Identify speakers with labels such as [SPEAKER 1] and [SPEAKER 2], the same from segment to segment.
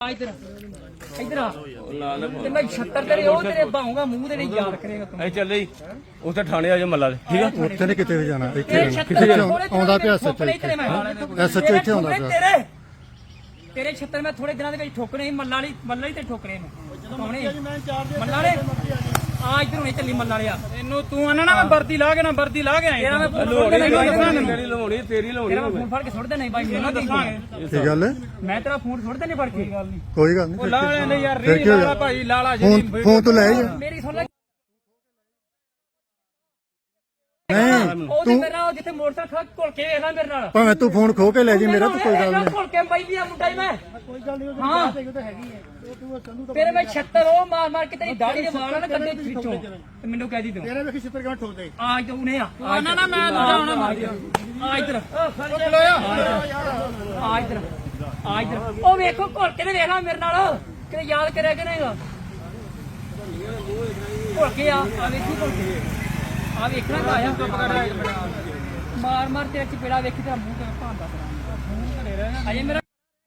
[SPEAKER 1] इधर इधर मैं 76 तेरे ओ तेरे बाहूंगा मुंह तेरे याद करेगा तू
[SPEAKER 2] ਚੱਲੇ ਜੀ ਉੱਥੇ ਥਾਣੇ ਆ ਜਾ ਮੱਲਾ ਦੇ ਠੀਕ ਆ
[SPEAKER 3] ਉੱਥੇ ਨਹੀਂ ਕਿਤੇ ਵੀ ਜਾਣਾ ਇੱਥੇ ਕਿੱਥੇ ਆਉਂਦਾ ਪਿਆ ਐਸਐਚਓ ਐਸਐਚਓ ਇੱਥੇ ਆਉਂਦਾ ਪਿਆ
[SPEAKER 1] ਤੇਰੇ 76 ਮੈਂ ਥੋੜੇ ਦਿਨਾਂ ਦੇ ਵਿੱਚ ਠੋਕਣੇ ਸੀ ਮੱਲਾ ਹੀ ਤੇ ਠੋਕਣੇ ਮੈਂ ਮੱਲਾ ਵਾਲੇ ਆ ਇਧਰ ਹੁਣੇ ਚੱਲੀ ਮੱਲਾ ਵਾਲਿਆ ਇਹਨੂੰ ਤੂੰ ਆਣਾ ਨਾ ਮੈਂ ਵਰਦੀ ਲਾ ਕੇ ਆਇਆ ਤੇਰਾ ਮੈਂ
[SPEAKER 2] ਮੇਰੀ ਲਵਾਉਣੀ ਤੇਰੀ ਲਵਾਉਣੀ
[SPEAKER 1] ਤੇਰਾ ਫੋਨ ਫੜ ਕੇ ਸੁੱਟਦੇ ਨਹੀਂ ਬਾਈ ਮੈਨੂੰ ਦੱਸਾਂਗੇ
[SPEAKER 3] ਕੀ ਗੱਲ ਹੈ
[SPEAKER 1] ਮੈਂ ਤੇਰਾ ਫੋਨ ਸੁੱਟਦੇ ਨਹੀਂ ਫੜ ਕੇ
[SPEAKER 3] ਕੋਈ ਗੱਲ ਨਹੀਂ
[SPEAKER 1] ਉਹ ਲਾ ਲੈ ਯਾਰ ਰੀ ਲਾਲਾ ਭਾਈ ਲਾਲਾ ਜੀ
[SPEAKER 3] ਫੋਨ ਤੋਂ ਲੈ ਜਾ
[SPEAKER 1] ਮੇਰੀ ਸੁਣ ਲੈ
[SPEAKER 3] ਨਹੀਂ
[SPEAKER 1] ਤੂੰ ਮੇਰੇ ਨਾਲ ਜਿੱਥੇ ਮੋਟਰਸਾਈਕਲ ਘੁਲ ਕੇ ਵੇਖ ਲੈ ਮੇਰੇ ਨਾਲ
[SPEAKER 3] ਭਾਵੇਂ ਤੂੰ ਫੋਨ ਖੋ ਕੇ ਲੈ ਜੀ ਮੇਰਾ ਤਾਂ ਕੋਈ ਗੱਲ ਨਹੀਂ
[SPEAKER 1] ਘੁਲ ਕੇ ਬਾਈ ਵੀ ਆ ਮੁੰਡਾ ਹੀ ਮੈਂ ਕੋਈ ਗੱਲ ਨਹੀਂ ਹਾਂ ਤੇਰੇ ਮੈਂ 76 ਉਹ ਮਾਰ ਕੇ ਤੇਰੀ ਦਾੜੀ ਦੇ ਵਾਲਾਂ ਨਾ ਕੰਦੇ ਵਿੱਚੋਂ ਤੇ ਮੈਨੂੰ ਕਹਿ ਦੀ ਤੂੰ
[SPEAKER 3] ਤੇਰੇ ਵੇਖੀ 76 ਕਿਵੇਂ ਠੋਕ ਦੇ
[SPEAKER 1] ਆ ਤੂੰ ਨੇ ਆ ਨਾ ਮੈਂ ਦੂਜਾ ਹੁਣ ਆ ਇਧਰ ਆ ਇਧਰ ਉਹ ਵੇਖੋ ਘੁਲ ਕੇ ਤੇ ਵੇਖ ਲੈ ਮੇਰੇ ਨਾਲ ਕਿਤੇ ਯਾਦ ਕਰਿਆ ਕਿ ਨਹੀਂਗਾ ਘੁਲ ਕੇ ਆ ਵੇਖੀ ਘੁਲ ਕੇ ਆ ਵੇਖਣਾ ਤਾਂ ਆਇਆ ਮਾਰ ਤੇ ਚਪੇੜਾ ਵੇਖੀ ਤੇ ਮੂੰਹ ਤੇ ਭਾਂਦਾ ਅਜੇ ਮੇਰਾ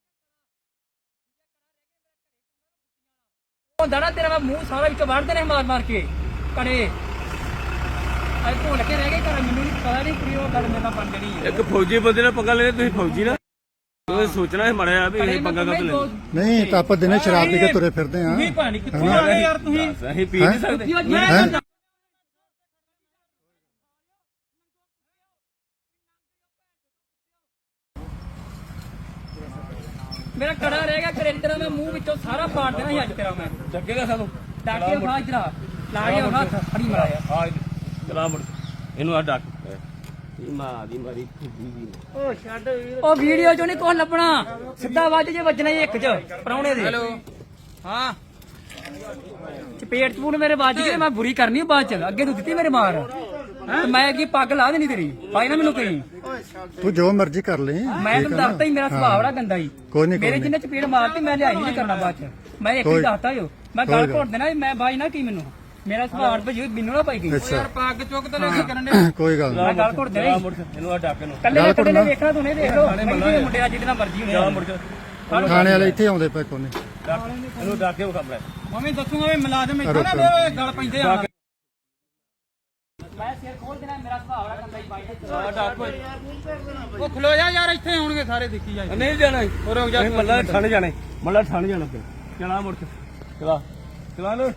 [SPEAKER 1] ਹੁੰਦਾ ਨਾ ਤੇਰਾ ਮੂੰਹ ਸਾਰਾ ਵਿੱਚੋਂ ਵੜਦੇ ਨੇ ਮਾਰ ਕੇ ਕੜੇ ਅੱਜ ਭੁੱਲ ਕੇ ਰਹਿ ਗਏ ਘਰ ਮੈਨੂੰ ਪਤਾ ਨਹੀਂ ਕਿ ਉਹ ਗੱਲ ਮੇਰੇ ਨਾਲ ਬਣ ਜਣੀ
[SPEAKER 2] ਇੱਕ ਫੌਜੀ ਬੰਦੇ ਨਾਲ ਪੰਗਾ ਲੈਣੇ ਤੁਸੀਂ ਫੌਜੀ ਨਾ ਤੁਸੀਂ ਸੋਚਣਾ ਹੈ ਮੜਿਆ ਵੀ ਇਹ ਪੰਗਾ ਕਦ ਲੈ
[SPEAKER 3] ਨਹੀਂ ਤਾਂ ਆਪਾਂ ਦਿਨੇ ਸ਼ਰਾਬ ਪੀ ਕੇ ਤੁਰੇ ਫਿਰਦੇ ਆਂ
[SPEAKER 1] ਨਹੀਂ ਪਾਣੀ ਕਿੱਥੋਂ ਆ ਗਏ ਯਾਰ ਤੁਸੀਂ
[SPEAKER 2] ਅਸੀਂ ਪੀ ਨਹੀਂ ਸਕਦੇ
[SPEAKER 1] ਮੇਰਾ ਕੜਾ ਰਹਿ ਗਿਆ ਕਰੇ ਤੇਰਾ ਮੈਂ ਮੂੰਹ ਵਿੱਚੋਂ ਸਾਰਾ ਪਾੜ ਦੇਣਾ ਸੀ ਅੱਜ ਤੇਰਾ ਮੈਂ
[SPEAKER 2] ਚੱਕੇਗਾ ਸਾਨੂੰ
[SPEAKER 1] ਡਾਕੇ ਖਾ ਇਧਰ ਲਾ ਗਿਆ ਹੱਥ ਫੜੀ ਮਾਰਿਆ
[SPEAKER 2] ਆ ਚਲਾ ਮੁੜ ਇਹਨੂੰ ਆ ਡੱਕ ਮਾਂ ਦੀ ਮਾਰੀ ਖੁੱਦੀ ਵੀ
[SPEAKER 1] ਉਹ ਛੱਡ ਉਹ ਵੀਡੀਓ ਚੋਂ ਨਹੀਂ ਕੁਝ ਲੱਭਣਾ ਸਿੱਧਾ ਵੱਜ ਜੇ ਵੱਜਣਾ ਹੀ ਇੱਕ ਚ ਪਰੌਣੇ ਦੇ ਹੈਲੋ ਹਾਂ ਚਪੇਟ ਚਪੂਨ ਮੇਰੇ ਵੱਜ ਗਏ ਮੈਂ ਬੁਰੀ ਕਰਨੀ ਬਾਅਦ ਚ ਅੱਗੇ ਤੂੰ ਦਿੱਤੀ ਮੇਰੇ ਮਾਰ ਤੇ ਮੈਂ ਅੱਗੇ ਪੱਗ ਲਾ ਦੇਣੀ ਤੇਰੀ ਭਾਈ ਨਾ ਮੈਨੂੰ ਕਹੀਂ
[SPEAKER 3] ਤੂੰ ਜੋ ਮਰਜ਼ੀ ਕਰ ਲੈ
[SPEAKER 1] ਮੈਂ ਤੈਨੂੰ ਦੱਸਤਾ ਹੀ ਮੇਰਾ ਸੁਭਾਅ ਬੜਾ ਗੰਦਾ ਹੀ
[SPEAKER 3] ਕੋਈ ਨਹੀਂ
[SPEAKER 1] ਮੇਰੇ ਜਿੰਨੇ ਚਪੇੜ ਮਾਰਤੀ ਮੈਂ ਲਿਆਈ ਨਹੀਂ ਕਰਨਾ ਬਾਅਦ ਚ ਮੈਂ ਇੱਕ ਹੀ ਦੱਸਤਾ ਜੋ ਮੈਂ ਗੱਲ ਘੋਟ ਦੇਣਾ ਮੈਂ ਬਾਈ ਨਾ ਕੀ ਮੈਨੂੰ ਮੇਰਾ ਸੁਭਾਅ ਭਜੀ ਮੈਨੂੰ ਨਾ ਪਾਈ ਗਈ
[SPEAKER 3] ਅੱਛਾ
[SPEAKER 1] ਪੱਗ ਚੁੱਕ ਤੇ ਲੈ ਕੇ ਕਰਨ ਦੇ
[SPEAKER 3] ਕੋਈ ਗੱਲ
[SPEAKER 1] ਮੈਂ ਗੱਲ ਘੋਟ ਦੇਣਾ
[SPEAKER 2] ਇਹਨੂੰ ਆ ਡੱਕ ਇਹਨੂੰ
[SPEAKER 1] ਕੱਲੇ ਨੇ ਵੇਖਣਾ ਤੂੰ ਨਹੀਂ ਦੇਖ ਲੋ ਮੁੰਡੇ ਆ ਜਿਹਦੇ ਨਾਲ ਮਰਜੀ ਹੋਣੇ
[SPEAKER 2] ਮੁੜ
[SPEAKER 3] ਥਾਣੇ ਵਾਲੇ ਇੱਥੇ ਆਉਂਦੇ ਪਏ ਕੋਨੇ
[SPEAKER 2] ਇਹਨੂੰ ਡੱਕ ਕੇ ਖਬਰ
[SPEAKER 1] ਮੰਮੀ ਦੱਸੂਗਾ ਵੀ ਮੁਲਾਜ਼ਮ ਇੱਥੇ ਨਾ ਗੱਲ ਪੈਂਦੇ ਆ ਮੈਂ ਸਿਰ ਖੋਲ ਦੇਣਾ ਮੇਰਾ ਸੁਭਾਅ ਬੜਾ ਗੰਦਾ ਹੀ ਬਾਈ ਉਹ ਖਲੋ ਜਾ ਯਾਰ ਇੱਥੇ ਆਉਣਗੇ ਸਾਰੇ ਦੇਖੀ ਜਾ
[SPEAKER 2] ਨਹੀਂ ਜਾਣਾ
[SPEAKER 1] ਰੁਕ ਜਾ
[SPEAKER 2] ਮੱਲਾ ਠੰਡ ਜਾਣਾ ਮੱਲਾ ਠੰਡ ਜਾਣਾ ਚਲਾ ਮੁੜ ਚਲਾ ਲੋ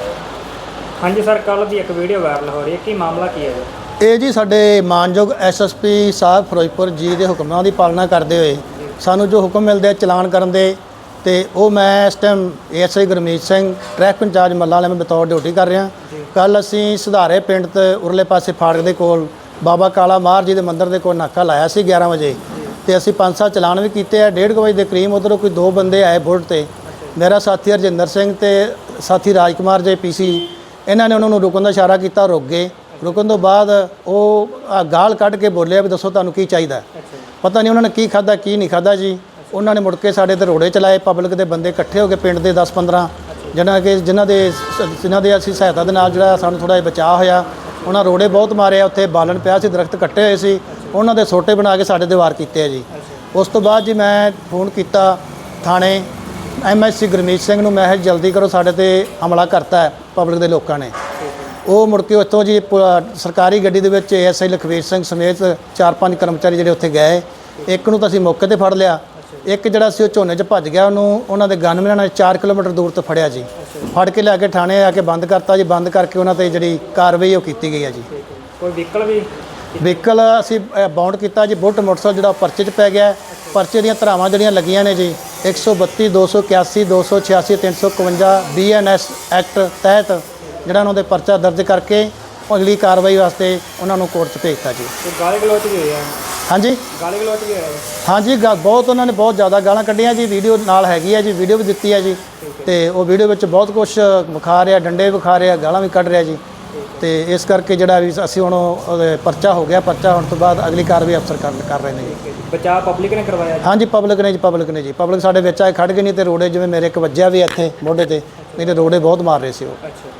[SPEAKER 1] ਹਾਂਜੀ ਸਰ ਕੱਲ ਦੀ ਇੱਕ ਵੀਡੀਓ ਵਾਇਰਲ ਹੋ ਰਹੀ ਹੈ ਕੀ ਮਾਮਲਾ ਕੀ ਹੈ
[SPEAKER 4] ਇਹ ਜੀ ਸਾਡੇ ਮਾਨਯੋਗ ਐਸਐਸਪੀ ਸਾਹਿਬ ਫਿਰੋਜ਼ਪੁਰ ਜੀ ਦੇ ਹੁਕਮਾਂ ਦੀ ਪਾਲਣਾ ਕਰਦੇ ਹੋਏ ਸਾਨੂੰ ਜੋ ਹੁਕਮ ਮਿਲਦੇ ਆ ਚਲਾਨ ਕਰਨ ਦੇ ਤੇ ਉਹ ਮੈਂ ਇਸ time ASI Gurmeet Singh traffic incharge Malla ਵਾਲੇ ਮੈਂ ਬਤੌਰ ਡਿਊਟੀ ਕਰ ਰਿਹਾ ਕੱਲ ਅਸੀਂ ਸੁਧਾਰੇ ਪਿੰਡ ਤੇ ਉਰਲੇ ਪਾਸੇ ਫਾੜਕ ਦੇ ਕੋਲ ਬਾਬਾ ਕਾਲਾ ਮਾਰ ਜੀ ਦੇ ਮੰਦਿਰ ਦੇ ਕੋਲ ਨਾਕਾ ਲਾਇਆ ਸੀ 11 ਵਜੇ ਤੇ ਅਸੀਂ 5-7 ਚਲਾਨ ਵੀ ਕੀਤੇ ਆ 1:30 ਵਜੇ ਦੇ ਕਰੀਬ ਉਧਰੋਂ ਕੋਈ 2 ਬੰਦੇ ਆਏ ਬੁਲਟ ਤੇ ਮੇਰਾ ਸਾਥੀ ਹਰਜਿੰਦਰ ਸਿੰਘ ਤੇ ਸਾਥੀ ਰਾਜਕੁਮਾਰ ਜੇ ਪੀਸੀ ਇਹਨਾਂ ਨੇ ਉਹਨਾਂ ਨੂੰ ਰੁਕਣ ਦਾ ਇਸ਼ਾਰਾ ਕੀਤਾ ਰੁਕ ਗਏ ਰੁਕਣ ਤੋਂ ਬਾਅਦ ਉਹ ਗਾਲ ਕੱਢ ਕੇ ਬੋਲਿਆ ਵੀ ਦੱਸੋ ਤੁਹਾਨੂੰ ਕੀ ਚਾਹੀਦਾ ਪਤਾ ਨਹੀਂ ਉਹਨਾਂ ਨੇ ਕੀ ਖਾਧਾ ਕੀ ਨਹੀਂ ਖਾਧਾ ਜੀ ਉਹਨਾਂ ਨੇ ਮੁੜ ਕੇ ਸਾਡੇ ਤੇ ਰੋੜੇ ਚਲਾਏ ਪਬਲਿਕ ਦੇ ਬੰਦੇ ਇਕੱਠੇ ਹੋ ਕੇ ਪਿੰਡ ਦੇ 10-15 ਜਿਨ੍ਹਾਂ ਦੇ ਅਸੀਂ ਸਹਾਇਤਾ ਦੇ ਨਾਲ ਜਿਹੜਾ ਸਾਨੂੰ ਥੋੜ੍ਹਾ ਜਿਹਾ ਬਚਾਅ ਹੋਇਆ ਉਹਨਾਂ ਰੋੜੇ ਬਹੁਤ ਮਾਰੇ ਆ ਉੱਥੇ ਬਾਲਣ ਪਿਆ ਸੀ ਦਰਖਤ ਕੱਟੇ ਹੋਏ ਸੀ ਉਹਨਾਂ ਦੇ ਸੋਟੇ ਬਣਾ ਕੇ ਸਾਡੇ ਤੇ ਵਾਰ ਕੀਤੇ ਆ ਜੀ ਉਸ ਤੋਂ ਬਾਅਦ ਜੀ ਮੈਂ ਫੋਨ ਕੀਤਾ ਥਾਣੇ ਐਮਐਸਸੀ ਗੁਰਮੀਤ ਸਿੰਘ ਨੂੰ ਮੈਂ ਜਲਦੀ ਕਰੋ ਸਾਡੇ ਤੇ ਹਮਲਾ ਕਰਤਾ ਹੈ ਪਬਲਿਕ ਦੇ ਲੋਕਾਂ ਨੇ ਉਹ ਮੁੜ ਕੇ ਉੱਥੋਂ ਜੀ ਸਰਕਾਰੀ ਗੱਡੀ ਦੇ ਵਿੱਚ ਏਐਸਆਈ ਲਖਵੀਰ ਸਿੰਘ ਸਮੇਤ 4-5 ਕਰਮਚਾਰੀ ਜਿਹੜੇ ਉੱਥੇ ਗਏ ਇੱਕ ਨੂੰ ਤਾਂ ਅਸੀਂ ਮੌਕੇ ਤੇ ਫੜ ਲਿਆ ਇੱਕ ਜਿਹੜਾ ਸੀ ਉਹ ਝੋਨੇ 'ਚ ਭੱਜ ਗਿਆ ਉਹਨੂੰ ਉਹਨਾਂ ਦੇ ਗਨਮੈਨਾਂ ਨੇ 4 ਕਿਲੋਮੀਟਰ ਦੂਰ ਤੋਂ ਫੜਿਆ ਜੀ ਫੜ ਕੇ ਲਿਆ ਕੇ ਥਾਣੇ ਆ ਕੇ ਬੰਦ ਕਰਤਾ ਜੀ ਬੰਦ ਕਰਕੇ ਉਹਨਾਂ ਤੇ ਜਿਹੜੀ ਕਾਰਵਾਈ ਉਹ ਕੀਤੀ ਗਈ ਹੈ ਜੀ
[SPEAKER 1] ਕੋਈ
[SPEAKER 4] ਵਹੀਕਲ ਅਸੀਂ ਬਾਉਂਡ ਕੀਤਾ ਜੀ ਬੁੱਟ ਮੋਟਰਸਾਈਕਲ ਜਿਹੜਾ ਪਰਚੇ 'ਚ ਪੈ ਗਿਆ ਪਰਚੇ ਦੀਆਂ ਧਾਰਾਵਾਂ ਜਿਹੜੀਆਂ ਲੱਗੀਆਂ ਨੇ ਜੀ 132 281 286 351 BNS ਐਕਟ ਤਹਿਤ ਜਿਹੜਾ ਉਹਨਾਂ ਦੇ ਪਰਚਾ ਦਰਜ ਕਰਕੇ ਅਗਲੀ ਕਾਰਵਾਈ ਵਾਸਤੇ ਉਹਨਾਂ ਨੂੰ ਕੋਰਟ 'ਚ ਭੇਜਤਾ ਜੀ
[SPEAKER 1] ਗਾਲੀ ਗਲੋਚ ਵੀ ਹੋਇਆ
[SPEAKER 4] ਹਾਂਜੀ
[SPEAKER 1] ਗਾਲੀ ਗਲੋਚ ਵੀ ਹੋਇਆ
[SPEAKER 4] ਹਾਂਜੀ ਬਹੁਤ ਉਹਨਾਂ ਨੇ ਬਹੁਤ ਜ਼ਿਆਦਾ ਗਾਲਾਂ ਕੱਢੀਆਂ ਜੀ ਵੀਡੀਓ ਨਾਲ ਹੈਗੀ ਹੈ ਜੀ ਵੀਡੀਓ ਵੀ ਦਿੱਤੀ ਹੈ ਜੀ ਤੇ ਉਹ ਵੀਡੀਓ ਵਿੱਚ ਬਹੁਤ ਕੁਝ ਵਿਖਾ ਰਿਹਾ ਡੰਡੇ ਵਿਖਾ ਰਿਹਾ ਗਾਲਾਂ ਵੀ ਕੱਢ ਰਿਹਾ ਜੀ ਤੇ ਇਸ ਕਰਕੇ ਜਿਹੜਾ ਵੀ ਅਸੀਂ ਹੁਣ ਪਰਚਾ ਹੋ ਗਿਆ ਪਰਚਾ ਹੋਣ ਤੋਂ ਬਾਅਦ ਅਗਲੀ ਕਾਰਵਾਈ ਅਫਸਰ ਕਰ ਰਹੇ ਨੇ ਜੀ
[SPEAKER 1] ਬਚਾਅ ਪਬਲਿਕ ਨੇ ਕਰਵਾਇਆ
[SPEAKER 4] ਹਾਂਜੀ ਪਬਲਿਕ ਨੇ ਜੀ ਪਬਲਿਕ ਸਾਡੇ ਵਿੱਚ ਆਏ ਖੜ ਗਏ ਨਹੀਂ ਤੇ ਰੋੜੇ ਜਿਵੇਂ ਮੇਰੇ ਇੱਕ ਵੱਜਿਆ ਵੀ ਇੱਥੇ ਮੋਢੇ ਤੇ ਨਹੀਂ ਤੇ ਰੋੜੇ ਬਹੁਤ ਮਾਰ ਰਹੇ ਸੀ ਉਹ